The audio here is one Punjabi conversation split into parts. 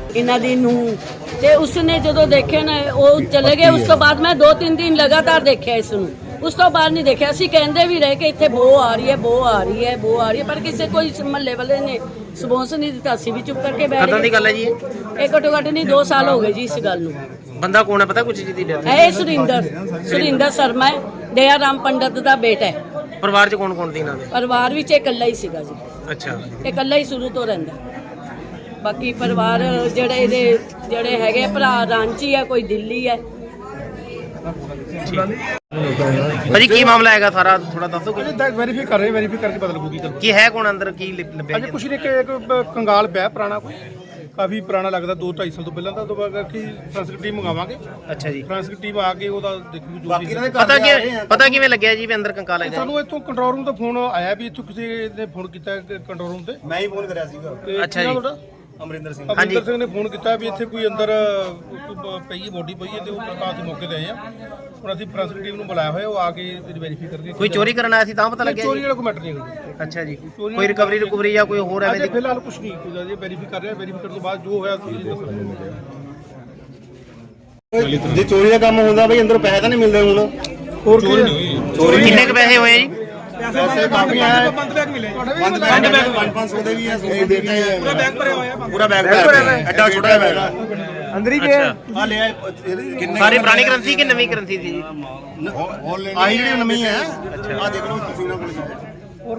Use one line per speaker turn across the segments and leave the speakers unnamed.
ਇਹਨਾਂ ਦੀ ਨੂੰ ਤੇ ਉਸਨੇ ਜਦੋਂ ਦੇਖਿਆ ਨਾ ਉਹ ਚਲੇ ਗਏ। ਉਸ ਤੋਂ ਬਾਅਦ ਮੈਂ 2-3 ਦਿਨ ਲਗਾਤਾਰ ਦੇਖਿਆ ਇਸ ਨੂੰ, ਉਸ ਤੋਂ ਬਾਅਦ ਨਹੀਂ ਦੇਖਿਆ। ਅਸੀਂ ਕਹਿੰਦੇ ਵੀ ਰਹੇ ਕਿ ਇੱਥੇ ਬੋ ਆ ਰਹੀ ਹੈ, ਬੋ ਆ ਰਹੀ ਹੈ, ਬੋ ਆ ਰਹੀ ਹੈ, ਪਰ ਕਿਸੇ ਕੋਈ ਮਹੱਲੇ ਵਾਲੇ ਨੇ ਸਪੌਂਸ ਨਹੀਂ ਦਿੱਤਾ। ਅਸੀਂ ਵੀ ਚੁੱਪ ਕਰਕੇ ਬੈਠ ਗਏ।
ਕਦੋਂ ਦੀ ਗੱਲ ਹੈ ਜੀ
ਇਹ ਘੱਟੋ ਘੱਟ ਨਹੀਂ 2 ਸਾਲ ਹੋ ਗਏ ਜੀ ਇਸ ਗੱਲ ਨੂੰ।
ਬੰਦਾ ਕੌਣ ਹੈ ਪਤਾ ਕੁਝ ਜੀ ਦੀ ਡੈਥ?
ਇਹ ਸੁਰਿੰਦਰ ਸ਼ਰਮਾ ਹੈ, ਦਇਆ ਰਾਮ ਪੰਡਤ ਦਾ ਬੇਟਾ ਹੈ।
ਪਰਿਵਾਰ ਚ ਕੌਣ ਕੌਣ ਸੀ ਇਹਨਾਂ ਦੇ?
ਪਰਿਵਾਰ ਵਿੱਚ ਇਹ ਇਕੱਲਾ ਹੀ ਸੀਗਾ ਜੀ।
ਅੱਛਾ,
ਇਹ ਇਕੱਲਾ ਹੀ ਸ਼ੁਰੂ ਤੋਂ ਰਹਿੰਦਾ। ਬਾਕੀ ਪਰਿਵਾਰ ਜਿਹੜੇ ਹੈਗੇ ਭਰਾ ਰਾਂਚੀ ਹੈ, ਕੋਈ ਦਿੱਲੀ ਹੈ।
ਭਾਜੀ ਕੀ ਮਾਮਲਾ ਹੈਗਾ ਸਾਰਾ ਥੋੜਾ ਦੱਸੋ।
ਵੈਰੀਫਾਈ ਕਰ ਰਹੇ, ਵੈਰੀਫਾਈ ਕਰਕੇ ਪਤਾ ਲੱਗੂਗੀ।
ਕੀ ਹੈ ਕੌਣ ਅੰਦਰ, ਕੀ ਲੱਭਿਆ?
ਅਜੇ ਕੁਛ ਨਹੀਂ ਕਿ ਇੱਕ ਕੰਗਾਲ ਪਿਆ ਪੁਰਾਣਾ, ਕੋਈ ਕਾਫੀ ਪੁਰਾਣਾ ਲੱਗਦਾ, 2-2.5 ਸਾਲ ਤੋਂ ਪਹਿਲਾਂ ਦਾ। ਤੋਂ ਬਾਅਦ ਕੀ ਫਰਾਂਸਿਕ ਟੀਮ ਮੰਗਾਵਾਂਗੇ।
ਅੱਛਾ ਜੀ,
ਫਰਾਂਸਿਕ ਟੀਮ ਆ ਕੇ ਉਹਦਾ ਦੇਖੂਗੀ ਜੋ ਵੀ।
ਪਤਾ ਕਿਵੇਂ ਲੱਗਿਆ ਜੀ ਵੀ ਅੰਦਰ ਕੰਕਾਲ ਹੈਗਾ?
ਸਾਨੂੰ ਇੱਥੋਂ ਕੰਟਰੋਲ ਰੂਮ ਤੋਂ ਫੋਨ ਆਇਆ ਵੀ ਇੱਥੋਂ ਕਿਸੇ ਨੇ ਫੋਨ ਕੀਤਾ ਕੰਟਰੋਲ ਰੂਮ ਤੇ।
ਮੈਂ ਹੀ ਫੋਨ ਕਰਿਆ ਸੀਗਾ।
ਅੱਛਾ ਜੀ,
ਅਮਰਿੰਦਰ ਸਿੰਘ
ਨੇ ਫੋਨ ਕੀਤਾ ਵੀ ਇੱਥੇ ਕੋਈ ਅੰਦਰ ਪਈ ਬੋਡੀ ਪਈ ਹੈ ਤੇ ਉਹ ਪ੍ਰਕਾਸ਼ ਦੇ ਮੌਕੇ ਤੇ ਆਏ ਆ। ਹੁਣ ਅਸੀਂ ਫਰਾਂਸਿਕ ਟੀਮ ਨੂੰ ਬੁਲਾਇਆ ਹੋਇਆ, ਉਹ ਆ ਕੇ ਵੈਰੀਫਾਈ ਕਰਕੇ।
ਕੋਈ ਚੋਰੀ ਕਰਨ ਆਇਆ ਸੀ ਤਾਂ ਪਤਾ ਲੱਗਿਆ?
ਚੋਰੀ ਵਾਲਾ ਕੋਈ ਮੈਟਰ ਨਹੀਂ ਹੈਗਾ।
ਅੱਛਾ ਜੀ, ਕੋਈ ਰਿਕਵਰੀ ਜਾਂ ਕੋਈ ਹੋਰ ਐਵੇਂ ਦੀ?
ਫਿਲਹਾਲ ਕੁਝ ਨਹੀਂ, ਕੁਝ ਅਜੇ ਵੈਰੀਫਾਈ ਕਰ ਰਿਹਾ। ਵੈਰੀਫਾਈ ਕਰਨ ਤੋਂ ਬਾਅਦ ਜੋ ਹੋਇਆ ਤੁਸੀਂ ਦੱਸਣਾ।
ਜੇ ਚੋਰੀ ਦਾ ਕੰਮ ਹੁੰਦਾ ਬਈ ਅੰਦਰੋਂ ਪੈਸੇ ਤਾਂ ਨਹੀਂ ਮਿਲਦੇ ਹੁਣ।
ਹੋਰ ਚੋਰੀ
ਕਿੰਨੇ ਕੁ ਪੈਸੇ ਹੋਏ ਜੀ?
ਪੈਸੇ ਕਾਫੀ ਆਏ। ਬੰਦ ਬੈਗ ਮਿਲੇ। 500 ਦੇ ਵੀ ਹੈ, 100 ਦੇ ਵੀ ਹੈ। ਪੂਰਾ ਬੈਗ ਭਰਿਆ ਹੋਇਆ। ਪੂਰਾ ਬੈਗ ਭਰਿਆ ਹੋਇਆ। ਐਡਾ ਛੋਟਾ ਬੈਗ ਆ।
ਅੰਦਰ ਹੀ
ਪਿਆ।
ਆ ਲਿਆ
ਸਾਰੀ ਪੁਰਾਣੀ ਕਰੰਸੀ ਕਿ ਨਵੀਂ ਕਰੰਸੀ ਸੀ ਜੀ?
ਆਹੀ ਜਿਹੜੀ ਨਵੀਂ ਹੈ। ਆ ਦੇਖ ਲਓ ਤੁਸੀਂ ਨਾ ਕੋਲ। ਹੋਰ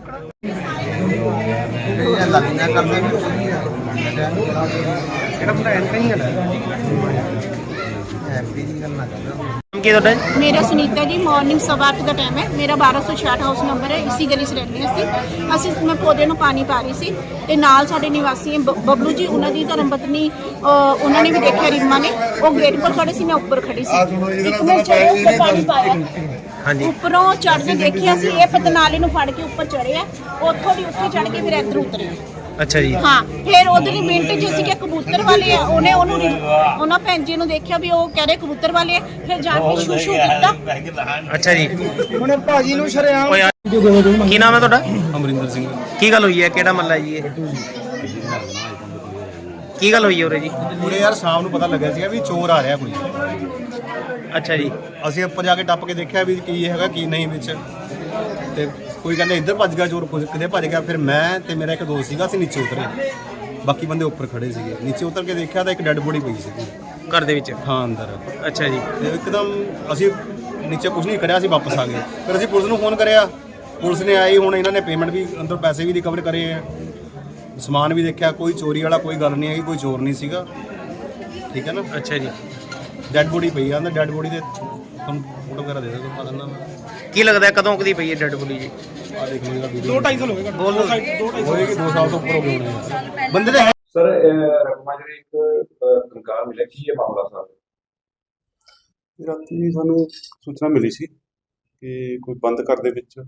ਕੀ ਤੁਹਾਡਾ?
मेरा सुनीता जी, मॉर्निंग 8:15 का टाइम है। मेरा 1266 हाउस नंबर है, इसी गली च रहने ਅਸੀਂ ਮੈਂ ਪੌਦੇ ਨੂੰ ਪਾਣੀ ਪਾ ਰਹੀ ਸੀ ਤੇ ਨਾਲ ਸਾਡੇ ਨਿਵਾਸੀ ਹੈ ਬਬਲੂ ਜੀ, ਉਹਨਾਂ ਦੀ ਧਰਮ ਪਤਨੀ, ਉਹਨਾਂ ਨੇ ਵੀ ਦੇਖਿਆ ਰੀਮਾ ਨੇ। ਉਹ ਗੇਟ ਪਰ ਖੜੇ ਸੀ, ਮੈਂ ਉੱਪਰ ਖੜੀ ਸੀ। ਇੱਕ ਮੈਂ ਚੜ੍ਹੇ ਉੱਪਰ ਪਾਣੀ ਪਾਇਆ,
ਹਾਂਜੀ,
ਉੱਪਰੋਂ ਚੜ੍ਹ ਕੇ ਦੇਖਿਆ ਸੀ ਇਹ ਪਤਨਾਲੇ ਨੂੰ ਫੜ ਕੇ ਉੱਪਰ ਚੜ੍ਹਿਆ, ਉੱਥੋਂ ਦੀ ਉੱਥੇ ਚੜ੍ਹ ਕੇ ਫਿਰ ਇੱਧਰ ਉਤਰੇ।
ਅੱਛਾ ਜੀ,
ਹਾਂ। ਫਿਰ ਉਧਰ ਹੀ ਮਿੰਟ ਜਿ ਸੀ ਕਿ ਕਬੂਤਰ ਵਾਲੇ ਆ, ਉਹਨੇ ਉਹਨਾਂ ਭੈਣ ਜੀ ਨੂੰ ਦੇਖਿਆ ਵੀ ਉਹ ਕਹਿ ਰਹੇ ਕਬੂਤਰ ਵਾਲੇ ਆ, ਫਿਰ ਜਾ ਕੇ ਸ਼ੂ ਕੀਤਾ।
ਅੱਛਾ ਜੀ।
ਹੁਣ ਭਾਜੀ ਨੂੰ ਸ਼ਰਿਆਮ।
ਕੀ ਨਾਮ ਹੈ ਤੁਹਾਡਾ?
ਅਮਰਿੰਦਰ ਸਿੰਘ।
ਕੀ ਗੱਲ ਹੋਈ ਹੈ? ਕਿਹੜਾ ਮਹੱਲਾ ਜੀ ਇਹ? ਕੀ ਗੱਲ ਹੋਈ ਹੈ ਉਰੇ ਜੀ?
ਪੂਰੇ ਯਾਰ ਸ਼ਾਮ ਨੂੰ ਪਤਾ ਲੱਗਿਆ ਸੀਗਾ ਵੀ ਚੋਰ ਆ ਰਿਹਾ ਕੋਈ।
ਅੱਛਾ ਜੀ,
ਅਸੀਂ ਉੱਪਰ ਜਾ ਕੇ ਟੱਪ ਕੇ ਦੇਖਿਆ ਵੀ ਕੀ ਹੈਗਾ ਕੀ ਨਹੀਂ ਵਿੱਚ। ਤੇ ਕੋਈ ਕਹਿੰਦਾ ਇੱਧਰ ਭੱਜ ਗਿਆ ਚੋਰ, ਕਿਤੇ ਭੱਜ ਗਿਆ। ਫਿਰ ਮੈਂ ਤੇ ਮੇਰਾ ਇੱਕ ਦੋਸਤ ਸੀਗਾ, ਅਸੀਂ ਨੀਚੇ ਉਤਰੇ, ਬਾਕੀ ਬੰਦੇ ਉੱਪਰ ਖੜੇ ਸੀਗੇ। ਨੀਚੇ ਉਤਰ ਕੇ ਦੇਖਿਆ ਤਾਂ ਇੱਕ ਡੈੱਡ ਬੋਡੀ ਪਈ ਸੀਗੀ
ਘਰ ਦੇ ਵਿੱਚ?
ਹਾਂ ਅੰਦਰ।
ਅੱਛਾ ਜੀ,
ਤੇ ਇੱਕਦਮ ਅਸੀਂ ਨੀਚੇ ਕੁਝ ਨਹੀਂ ਕਰਿਆ, ਅਸੀਂ ਵਾਪਸ ਆ ਗਏ। ਫਿਰ ਅਸੀਂ ਪੁਲਿਸ ਨੂੰ ਫੋਨ ਕਰਿਆ, ਪੁਲਿਸ ਨੇ ਆਈ। ਹੁਣ ਇਹਨਾਂ ਨੇ ਪੇਮੈਂਟ ਵੀ ਅੰਦਰ ਪੈਸੇ ਵੀ ਰਿਕਵਰ ਕਰੇ ਆ, ਸਮਾਨ ਵੀ ਦੇਖਿਆ। ਕੋਈ ਚੋਰੀ ਵਾਲਾ ਕੋਈ ਗੱਲ ਨਹੀਂ ਹੈਗੀ, ਕੋਈ ਚੋਰ ਨਹੀਂ ਸੀਗਾ। ਠੀਕ ਹੈ ਨਾ?
ਅੱਛਾ ਜੀ।
ਡੈੱਡ ਬੋਡੀ ਪਈ ਆ ਅੰਦਰ। ਡੈੱਡ ਬੋਡੀ ਦੇ ਤੁਹਾਨੂੰ ਫੋਟੋ ਵਗੈਰਾ ਦੇ ਦਿੰਦਾ ਦਿੰਦਾ ਮੈਂ।
ਕੀ ਲੱਗਦਾ ਕਦੋਂ ਕਦੀ ਪਈ ਹੈ ਡੈਡ ਬੋਡੀ ਜੀ?
ਆ ਦੇਖ ਲਓ ਇਹਦਾ ਵੀਡੀਓ।
2-2.5 ਸਾਲ ਹੋ ਗਏ।
ਬੋਲ
ਹੋਏਗੀ 2 ਸਾਲ ਤੋਂ ਉੱਪਰ ਹੋ ਗਏ ਹੋਣੇ ਬੰਦੇ ਦੇ।
ਸਰ ਰਕਮਾ ਜਿਹੜੀ ਇੱਕ ਕੰਕਾਰ ਮਿਲਿਆ, ਕੀ ਇਹ ਮਾਮਲਾ ਸਰ?
ਰਾਤੀ ਸਾਨੂੰ ਸੂਚਨਾ ਮਿਲੀ ਸੀ ਕਿ ਕੋਈ ਬੰਦ ਘਰ ਦੇ ਵਿੱਚ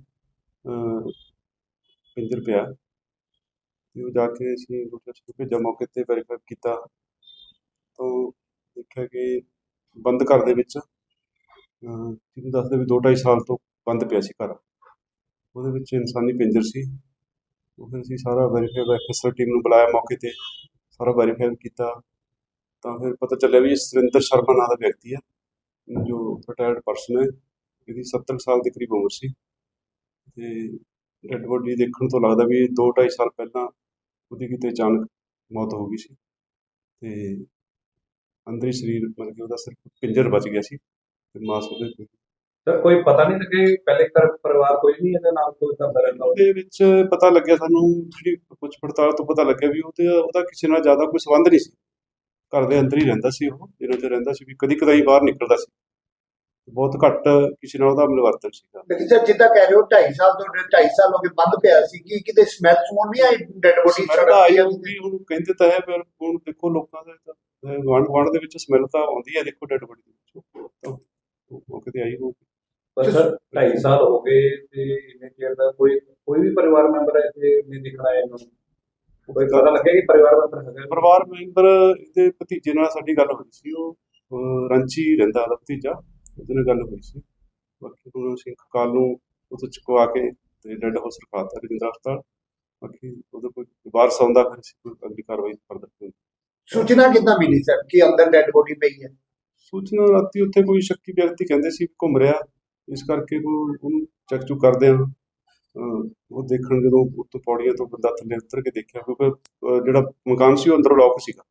ਪਿੰਜਰ ਪਿਆ ਤੇ ਉਹ ਜਾ ਕੇ ਅਸੀਂ ਭੇਜਿਆ, ਮੌਕੇ ਤੇ ਵੈਰੀਫਾਈ ਕੀਤਾ ਤਾਂ ਦੇਖਿਆ ਕਿ ਬੰਦ ਘਰ ਦੇ ਵਿੱਚ ਜਿਹਨੂੰ ਦੱਸਦੇ ਵੀ 2-2.5 ਸਾਲ ਤੋਂ ਬੰਦ ਪਿਆ ਸੀ ਘਰ। ਉਹਦੇ ਵਿੱਚ ਇਨਸਾਨੀ ਪਿੰਜਰ ਸੀ। ਉਹ ਫਿਰ ਅਸੀਂ ਸਾਰਾ ਵੈਰੀਫਾਈ ਐਫਐਸਆਰ ਟੀਮ ਨੂੰ ਬੁਲਾਇਆ, ਮੌਕੇ ਤੇ ਸਾਰਾ ਵੈਰੀਫਾਈ ਕੀਤਾ ਤਾਂ ਫਿਰ ਪਤਾ ਚੱਲਿਆ ਵੀ ਸੁਰਿੰਦਰ ਸ਼ਰਮਾ ਨਾਂ ਦਾ ਵਿਅਕਤੀ ਹੈ, ਜੋ ਰਿਟਾਇਰਡ ਪਰਸਨ ਹੈ। ਇਹਦੀ 70 ਸਾਲ ਦੇ ਕਰੀਬ ਉਮਰ ਸੀ ਤੇ ਡੈਡ ਬੋਡੀ ਦੇਖਣ ਤੋਂ ਲੱਗਦਾ ਵੀ 2-2.5 ਸਾਲ ਪਹਿਲਾਂ ਉਹਦੀ ਕਿਤੇ ਅਚਾਨਕ ਮੌਤ ਹੋ ਗਈ ਸੀ ਤੇ ਅੰਦਰੀ ਸਰੀਰ ਮਤਲਬ ਕਿ ਉਹਦਾ ਸਿਰਫ ਪਿੰਜਰ ਬਚ ਗਿਆ ਸੀ ਤੇ ਮਾਸ ਉਹਦੇ।
ਸਰ ਕੋਈ ਪਤਾ ਨਹੀਂ ਲੱਗੇ ਪਹਿਲੇ ਪਰਿਵਾਰ ਕੋਈ ਨਹੀਂ ਇਹਦੇ ਨਾਲ ਕੋਈ ਕਰਦਾ ਰਹਿੰਦਾ?
ਉਹਦੇ ਵਿੱਚ ਪਤਾ ਲੱਗਿਆ ਸਾਨੂੰ, ਜਿਹੜੀ ਪੁੱਛ ਪੜਤਾਲ ਤੋਂ ਪਤਾ ਲੱਗਿਆ ਵੀ ਉਹਦਾ ਕਿਸੇ ਨਾਲ ਜ਼ਿਆਦਾ ਕੋਈ ਸੰਬੰਧ ਨਹੀਂ ਸੀ। ਘਰ ਦੇ ਅੰਦਰ ਹੀ ਰਹਿੰਦਾ ਸੀ, ਉਹ ਜਿਹਨਾਂ 'ਚ ਰਹਿੰਦਾ ਸੀ, ਵੀ ਕਦੀ ਕਦਾਈ ਬਾਹਰ ਨਿਕਲਦਾ ਸੀ, ਬਹੁਤ ਘੱਟ ਕਿਸੇ ਨਾਲ ਉਹਦਾ ਮਿਲਵਰਤਨ ਸੀਗਾ।
ਲੇਕਿਨ ਸਰ ਜਿੱਦਾਂ ਕਹਿ ਰਹੇ ਹੋ 2.5 ਸਾਲ ਤੋਂ 2.5 ਸਾਲ ਹੋ ਗਏ ਬੰਦ ਪਿਆ ਸੀ, ਕਿ ਕਿਤੇ ਸਮੈਲ ਸਮੂਲ ਨਹੀਂ ਆਈ ਡੈਡ ਬੋਡੀ
ਆਈ ਹੋਊਗੀ? ਹੁਣ ਕਹਿੰਦੇ ਤਾਂ ਹੈ, ਪਰ ਹੁਣ ਦੇਖੋ ਲੋਕਾਂ ਦਾ ਗੁਆਂਢ ਦੇ ਵਿੱਚ ਸਮੈਲ ਤਾਂ ਆਉਂਦੀ ਹੈ, ਦੇਖੋ ਡੈਡ ਬੋਡੀ ਦੇ ਵਿੱਚੋਂ ਉਹ ਕਿਤੇ ਆਈ ਹੋਊਗੀ।
ਪਰ ਸਰ 2.5 ਸਾਲ ਹੋ ਗਏ ਤੇ ਇੰਨੇ ਚਿਰ ਦਾ ਕੋਈ ਵੀ ਪਰਿਵਾਰ ਮੈਂਬਰ ਇੱਥੇ ਨਹੀਂ ਦਿਖਣਾ ਇਹਨਾਂ ਨੂੰ? ਕੋਈ ਪਤਾ ਲੱਗਿਆ ਕਿ ਪਰਿਵਾਰ ਮੈਂਬਰ ਹੈਗਾ?
ਪਰਿਵਾਰ ਮੈਂਬਰ ਇਹਦੇ ਭਤੀਜੇ ਨਾਲ ਸਾਡੀ ਗੱਲ ਹੋਈ ਸੀ, ਉਹ ਰਾਂਚੀ ਰਹਿੰਦਾ ਉਹਦਾ ਭਤੀਜਾ, ਉਹਦੇ ਨਾਲ ਗੱਲ ਹੋਈ ਸੀ। ਬਾਕੀ ਹੁਣ ਅਸੀਂ ਕੱਲ੍ਹ ਨੂੰ ਉੱਥੋਂ ਚੁਕਵਾ ਕੇ ਤੇ ਡੈਡ ਹਾਊਸ ਰਖਾਤਾ ਰਜਿੰਦਰਾ ਹਸਪਤਾਲ। ਬਾਕੀ ਉਹਦਾ ਕੋਈ ਵਾਰਸ ਆਉਂਦਾ ਫਿਰ ਅਸੀਂ ਕੋਈ ਅਗਲੀ ਕਾਰਵਾਈ ਕਰਦੇ।
ਸੂਚਨਾ ਕਿੱਦਾਂ ਮਿਲੀ ਸਰ ਕਿ ਅੰਦਰ ਡੈਡ ਬੋਡੀ ਪਈ ਹੈ?
ਸੂਚਨਾ ਰਾਤੀ ਉੱਥੇ ਕੋਈ ਸ਼ੱਕੀ ਵਿਅਕਤੀ ਕਹਿੰਦੇ ਸੀ ਘੁੰਮ ਰਿਹਾ, ਇਸ ਕਰਕੇ ਉਹਨੂੰ ਚੈੱਕ ਚੁੱਕ ਕਰਦੇ ਆ। ਉਹ ਦੇਖਣ ਜਦੋਂ ਉੱਤੋਂ ਪੌੜੀਆਂ ਤੋਂ ਬੰਦਾ ਥੱਲੇ ਉਤਰ ਕੇ ਦੇਖਿਆ, ਕਿਉਂਕਿ ਜਿਹੜਾ ਮਕਾਨ ਸੀ ਉਹ ਅੰਦਰੋਂ ਲੌਕ ਸੀਗਾ।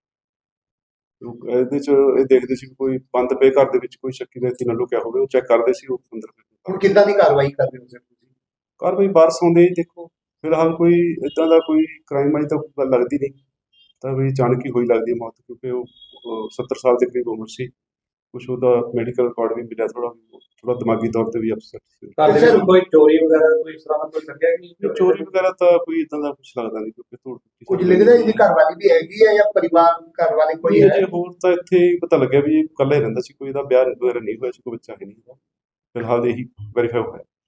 ਇਹਦੇ 'ਚ ਇਹ ਦੇਖਦੇ ਸੀ ਵੀ ਕੋਈ ਬੰਦ ਪਏ ਘਰ ਦੇ ਵਿੱਚ ਕੋਈ ਸ਼ੱਕੀ ਵਿਅਕਤੀ ਨਾ ਲੁਕਿਆ ਹੋਵੇ, ਉਹ ਚੈੱਕ ਕਰਦੇ ਸੀ ਉਹ ਅੰਦਰ।
ਹੁਣ ਕਿੱਦਾਂ ਦੀ ਕਾਰਵਾਈ ਕਰ ਰਹੇ ਹੋ ਸਰ ਤੁਸੀਂ?
ਕਾਰਵਾਈ ਵਾਰਸ ਆਉਂਦੇ ਹੀ ਦੇਖੋ, ਫਿਲਹਾਲ ਕੋਈ ਇੱਦਾਂ ਦਾ ਕੋਈ ਕ੍ਰਾਈਮ ਅਜੇ ਤੱਕ ਗੱਲ ਲੱਗਦੀ ਨਹੀਂ, ਤਾਂ ਵੀ ਅਚਾਨਕ ਹੀ ਹੋਈ ਲੱਗਦੀ ਹੈ ਮੌਤ, ਕਿਉਂਕਿ ਉਹ 70 ਸਾਲ ਦੇ ਕਰੀਬ ਉਮਰ ਸੀ। ਕੁਛ ਉਹਦਾ ਮੈਡੀਕਲ ਰਿਕਾਰਡ ਵੀ ਮਿਲਿਆ, ਥੋੜਾ ਦਿਮਾਗੀ ਤੌਰ ਤੇ ਵੀ ਅਪਸੈਟ ਸੀ।
ਘਰ ਦੇ ਵਿੱਚ ਕੋਈ ਚੋਰੀ ਵਗੈਰਾ ਕੋਈ ਇਸ ਤਰ੍ਹਾਂ ਦਾ ਕੋਈ ਲੱਗਿਆ ਕਿ ਨਹੀਂ?
ਚੋਰੀ ਵਗੈਰਾ ਤਾਂ ਕੋਈ ਇਦਾਂ ਦਾ ਕੁਛ ਲੱਗਦਾ ਨਹੀਂ, ਕਿਉਂਕਿ ਧੂੜ
ਕੁਝ ਲੱਗਦਾ ਇਹਦੀ ਘਰ ਵਾਲੀ ਵੀ ਹੈਗੀ ਹੈ ਜਾਂ ਪਰਿਵਾਰ ਘਰ ਵਾਲੇ ਕੋਈ ਹੈ?
ਅਜੇ ਹੋਰ ਤਾਂ ਇੱਥੇ ਹੀ ਪਤਾ ਲੱਗਿਆ ਵੀ ਇਹ ਇਕੱਲਾ ਹੀ ਰਹਿੰਦਾ ਸੀ, ਕੋਈ ਇਹਦਾ ਵਿਆਹ ਵਗੈਰਾ ਨਹੀਂ ਹੋਇਆ ਸੀ, ਕੋਈ ਬੱਚਾ ਹੈ ਨਹੀਂ। ਫਿਲਹਾਲ ਇਹੀ ਵੈਰੀਫਾਈ ਹੋਇਆ।